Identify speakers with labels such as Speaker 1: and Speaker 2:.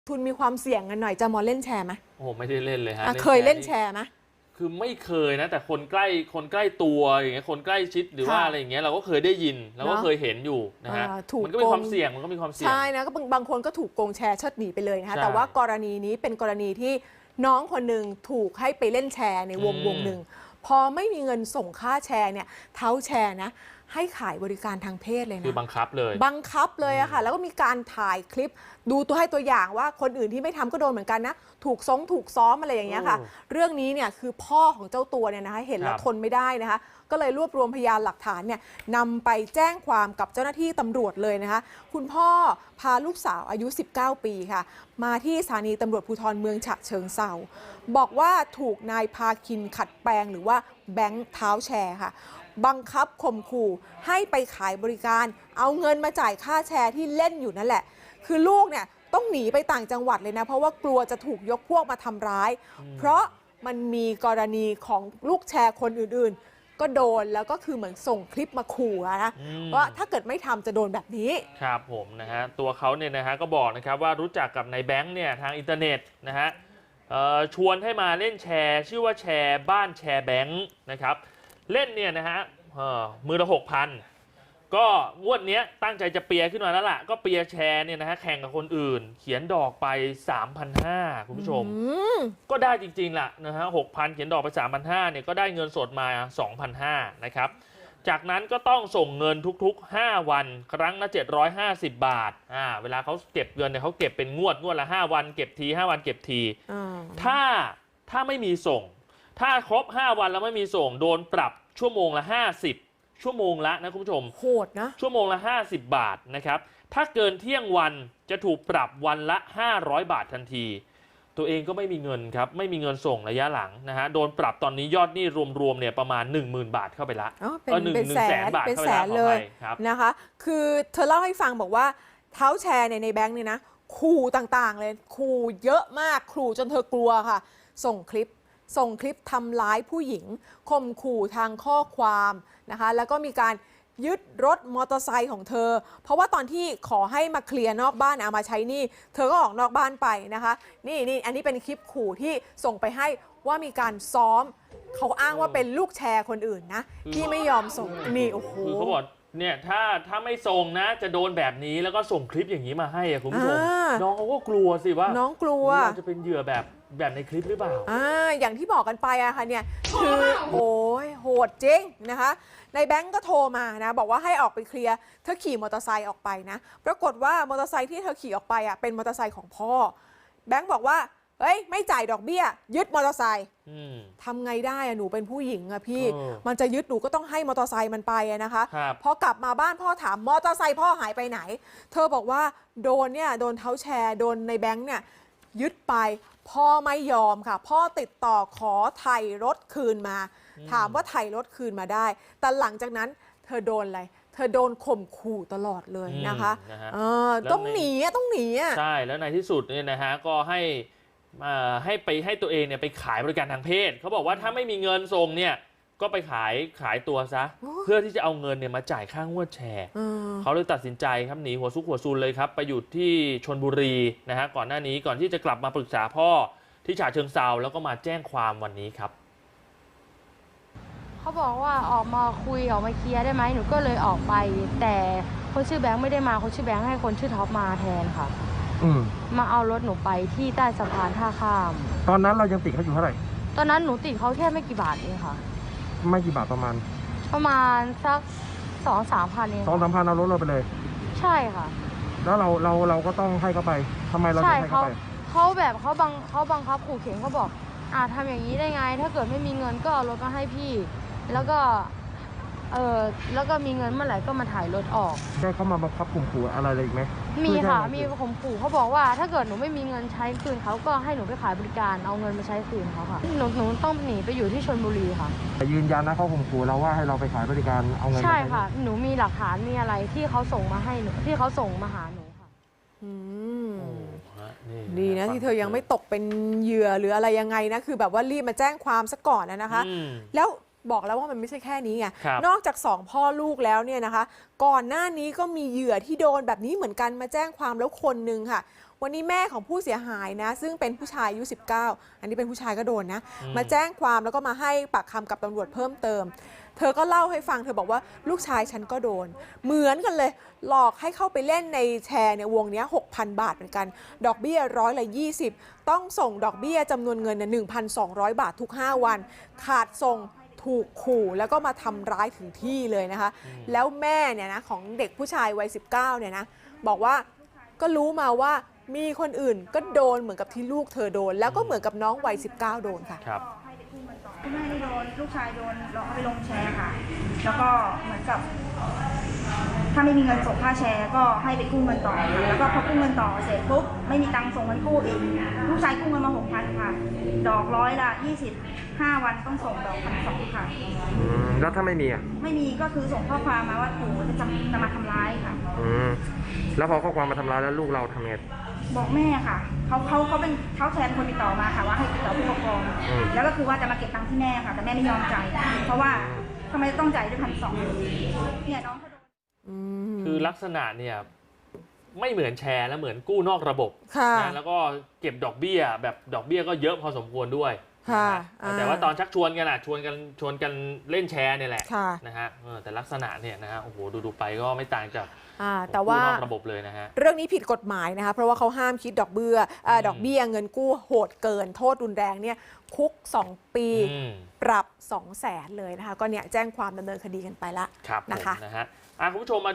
Speaker 1: ทุนมีความเสี่ยงกันหน่อยจะมาเล่นแชร์ไหม
Speaker 2: โอ้ไม่ได้เล่นเลยฮะ
Speaker 1: เคยเล่นแชร์ไหม
Speaker 2: คือไม่เคยนะแต่คนใกล้ตัวอย่างเงี้ยคนใกล้ชิดหรือว่าอะไรอย่างเงี้ยเราก็เคยได้ยินเราก็เคยเห็นอยู่นะฮะมันก็มีความเสี่ยง
Speaker 1: ใช่นะก็บางคนก็ถูกโกงแชร์เชิดหนีไปเลยนะคะแต่ว่ากรณีนี้เป็นกรณีที่น้องคนหนึ่งถูกให้ไปเล่นแชร์ในวงหนึ่งพอไม่มีเงินส่งค่าแชร์เนี่ยเท้าแชร์นะให้ขายบริการทางเพศเลยนะ
Speaker 2: คือบังคับเลย
Speaker 1: อะค่ะแล้วก็มีการถ่ายคลิปดูตัวอย่างว่าคนอื่นที่ไม่ทำก็โดนเหมือนกันนะถูกซ้อมอะไรอย่างเงี้ยค่ะเรื่องนี้เนี่ยคือพ่อของเจ้าตัวเนี่ยนะคะเห็นแล้วทนไม่ได้นะคะก็เลยรวบรวมพยานหลักฐานเนี่ยนำไปแจ้งความกับเจ้าหน้าที่ตำรวจเลยนะคะคุณพ่อพาลูกสาวอายุ19 ปีค่ะมาที่สถานีตำรวจภูธรเมืองฉะเชิงเทราบอกว่าถูกนายพาคินขัดแปลงหรือว่าแบงค์เท้าแชร์ค่ะบังคับข่มขู่ให้ไปขายบริการเอาเงินมาจ่ายค่าแชร์ที่เล่นอยู่นั่นแหละคือลูกเนี่ยต้องหนีไปต่างจังหวัดเลยนะเพราะว่ากลัวจะถูกยกพวกมาทำร้ายเพราะมันมีกรณีของลูกแชร์คนอื่นๆก็โดนแล้วก็คือเหมือนส่งคลิปมาขู่นะว่าถ้าเกิดไม่ทำจะโดนแบบนี้
Speaker 2: ครับผมนะฮะตัวเขาเนี่ยนะฮะก็บอกนะครับว่ารู้จักกับนายแบงค์เนี่ยทางอินเทอร์เน็ตนะฮะชวนให้มาเล่นแชร์ชื่อว่าแชร์บ้านแชร์แบงค์นะครับเล่นเนี่ยนะฮะมือละ 6,000 ก็งวดนี้ตั้งใจจะเปียขึ้นมาแล้วล่ะก็เปียแชร์เนี่ยนะฮะแข่งกับคนอื่นเขียนดอกไป 3,500 คุณผู้ชมก็ได้จริงๆล่ะนะฮะ 6,000 เขียนดอกไป 3,500 เนี่ยก็ได้เงินสดมา 2,500 นะครับจากนั้นก็ต้องส่งเงินทุกๆ5วันครั้งละ750 บาทเวลาเขาเก็บเงินเนี่ยเขาเก็บเป็นงวดละ5วันเก็บที5วันเก็บทีถ้าไม่มีส่งถ้าครบ5วันแล้วไม่มีส่งโดนปรับชั่วโมงละ50ชั่วโมงละนะคุณผู้ชม
Speaker 1: โหดนะ
Speaker 2: ชั่วโมงละ50 บาทนะครับถ้าเกินเที่ยงวันจะถูกปรับวันละ500 บาททันทีตัวเองก็ไม่มีเงินครับไม่มีเงินส่งระยะหลังนะฮะโดนปรับตอนนี้ยอดหนี้รวมๆเนี่ยประมาณ 10,000 บาทเข้าไปละ
Speaker 1: เป็นแสนบาทเป็นแสนเลยนะคะคือเธอเล่าให้ฟังบอกว่าเท้าแชร์ในแบงค์เนี่ยนะขู่ต่างๆเลยขู่เยอะมากขู่จนเธอกลัวค่ะส่งคลิปทำร้ายผู้หญิงข่มขู่ทางข้อความนะคะแล้วก็มีการยึดรถมอเตอร์ไซค์ของเธอเพราะว่าตอนที่ขอให้มาเคลียร์นอกบ้านเอามาใช้หนี้เธอก็ออกนอกบ้านไปนะคะนี่อันนี้เป็นคลิปขู่ที่ส่งไปให้ว่ามีการซ้อมเขาอ้างว่าเป็นลูกแชร์คนอื่นนะที่ไม่ยอมส่งนี่โอ้โห
Speaker 2: เขาบอกเนี่ยถ้าไม่ส่งนะจะโดนแบบนี้แล้วก็ส่งคลิปอย่างนี้มาให้คุณผู้ชมน้องเขาก็กลัวสิว่า
Speaker 1: น้องกลัว
Speaker 2: จะเป็นเหยื่อแบบในคลิปหรือเปล่า
Speaker 1: อย่างที่บอกกันไปอะค่ะเนี่ยคือโอ้ยโหดจริงนะคะในแบงก์ก็โทรมานะบอกว่าให้ออกไปเคลียร์เธอขี่มอเตอร์ไซค์ออกไปนะปรากฏว่ามอเตอร์ไซค์ที่เธอขี่ออกไปอะเป็นมอเตอร์ไซค์ของพ่อแบงก์บอกว่าเฮ้ยไม่จ่ายดอกเบี้ยยึดมอเตอร์ไซค์ทำไงได้อะหนูเป็นผู้หญิงอะพี่มันจะยึดหนูก็ต้องให้มอเตอร์ไซค์มันไปนะคะพอกลับมาบ้านพ่อถามมอเตอร์ไซค์พ่อหายไปไหนเธอบอกว่าโดนเท้าแชร์โดนในแบงก์เนี่ยยึดไปพ่อไม่ยอมค่ะพ่อติดต่อขอไถ่รถคืนมาถามว่าไถ่รถคืนมาได้แต่หลังจากนั้นเธอโดนอะไรเธอโดนข่มขู่ตลอดเลยนะคะต้องหนี
Speaker 2: ใช่แล้วในที่สุดเนี่ยนะฮะก็ให้ตัวเองเนี่ยไปขายบริการทางเพศเขาบอกว่าถ้าไม่มีเงินส่งเนี่ยก็ไปขายตัวซะเพื่อที่จะเอาเงินเนี่ยมาจ่ายค่างวดแชร์เขาเลยตัดสินใจครับหนีหัวซุกหัวซูนเลยครับไปอยู่ที่ชลบุรีนะฮะก่อนหน้านี้ก่อนที่จะกลับมาปรึกษาพ่อที่ฉะเชิงเทราแล้วก็มาแจ้งความวันนี้ครับ
Speaker 3: เขาบอกว่าออกมาคุยออกมาเคลียร์ได้ไหมหนูก็เลยออกไปแต่คนชื่อแบงค์ไม่ได้มาคนชื่อแบงค์ให้คนชื่อท็อปมาแทนค่ะมาเอารถหนูไปที่ใต้สะพานท่าข้าม
Speaker 4: ตอนนั้นเรายังติดเขาอยู่เท่าไหร่
Speaker 3: ตอนนั้นหนูติดเขาแค่ไม่กี่บาทเองค่ะ
Speaker 4: ไม่กี่บาทประมาณ
Speaker 3: สัก2-3 พันเอง
Speaker 4: 2-3 พันเอารถเราไปเลย
Speaker 3: ใช่ค่ะ
Speaker 4: แล้วเราก็ต้องให้เขาไปทำไมเราถึงให้เขาไป
Speaker 3: เขาบังคับขู่เข็นเขาบอกทำอย่างนี้ได้ไงถ้าเกิดไม่มีเงินก็เอารถมาให้พี่แล้วก็มีเงินเมื่อไหร่ก็มาถ่ายรถออก
Speaker 4: ได้เขามาบังคับข่มขู่อะไรเลยอีกไหม
Speaker 3: มีค่ะมีข่มขู่เขาบอกว่าถ้าเกิดหนูไม่มีเงินใช้คืนเขาก็ให้หนูไปขายบริการเอาเงินมาใช้คืนเขาค่ะหนูต้องหนีไปอยู่ที่ชลบุรีค่ะ
Speaker 4: ยืนยันนะเขาข่มขู่เราว่าให้เราไปขายบริการเอาเงิน
Speaker 3: ใช่ค่ะหนูมีหลักฐานมีอะไรที่เขาส่งมาให้หนูที่เขาส่งมาหาหนูค่ะ
Speaker 1: ดีนะที่เธอยังไม่ตกเป็นเหยื่อหรืออะไรยังไงนะคือแบบว่ารีบมาแจ้งความซะก่อนนะคะแล้วบอกแล้วว่ามันไม่ใช่แค่นี้ไงนอกจาก2 พ่อลูกแล้วเนี่ยนะคะก่อนหน้านี้ก็มีเหยื่อที่โดนแบบนี้เหมือนกันมาแจ้งความแล้วคนนึงค่ะวันนี้แม่ของผู้เสียหายนะซึ่งเป็นผู้ชายอายุ 19 อันนี้เป็นผู้ชายก็โดนนะมาแจ้งความแล้วก็มาให้ปากคำกับตำรวจเพิ่มเติมเธอก็เล่าให้ฟังเธอบอกว่าลูกชายฉันก็โดนเหมือนกันเลยหลอกให้เข้าไปเล่นในแชร์ในวงนี้ 6,000 บาทเหมือนกันดอกเบี้ย120ต้องส่งดอกเบี้ยจำนวนเงิน 1,200 บาททุก5วันขาดส่งถูกขู่แล้วก็มาทำร้ายถึงที่เลยนะคะแล้วแม่เนี่ยนะของเด็กผู้ชายวัย 19 เนี่ยนะบอกว่าก็รู้มาว่ามีคนอื่นก็โดนเหมือนกับที่ลูกเธอโดนแล้วก็เหมือนกับน้องวัย 19 โดนค่ะ
Speaker 2: ครับ
Speaker 5: คุณแม่นี่โดนลูกชายโดนหลอกเอาไปลงแชร์ค่ะ แล้วก็เหมือนกับ ถ้าไม่มีเงินส่งค่าแชร์ก็ให้ไปกู้เงินต่อค่ะแล้วก็พอกู้เงินต่อเสร็จปุ๊บไม่มีตังค์ส่งเงินกู้อีกลูกชายกู้เงินมา 6,000 ค่ะ ดอก100 ละ 25 วันต้องส่งดอก1,200 ค่ะ
Speaker 4: แล้วถ้าไม่มีอ่ะ
Speaker 5: ไม่มีก็คือส่งข้อความมาว่าปู่จะมาทำร้ายค่ะ
Speaker 4: แล้วพอข้อความมาทำร้ายแล้วลูกเราทำไง
Speaker 5: บอกแม่ค่ะเขาแทนคนติดต่อมาค่ะว่าให้ติดต่อผู้ปกครองแล้วก็คือว่าจะมาเก็บตังค์ที่แม่ค่ะแต่แม่ไม่ยอมจ่ายเพราะว่าทำไมต้องจ่ายด้วย1,200เนี่ยน้องเขาโดน
Speaker 2: คือลักษณะเนี่ยไม่เหมือนแชร์แล้วเหมือนกู้นอกระบบนะแล้วก็เก็บดอกเบี้ยแบบดอกเบี้ยก็เยอะพอสมควรด้วยแต่ว่าตอนชักชวนกันชวนกันเล่นแชร์เนี่ยแหละนะฮะแต่ลักษณะเนี่ยนะฮะโอ้โหดูไปก็ไม่ต่างจาก
Speaker 1: แต่ว่า
Speaker 2: กู้นอกระบบเลยนะฮะ
Speaker 1: เรื่องนี้ผิดกฎหมายนะคะเพราะว่าเขาห้ามคิดดอกเบี้ยเงินกู้โหดเกินโทษรุนแรงเนี่ยคุก 2 ปีปรับ 200,000 เลยนะคะก็เนี่ยแจ้งความดำเนินคดีกันไปละนะคะ
Speaker 2: นะฮะคุณผู้ชมมา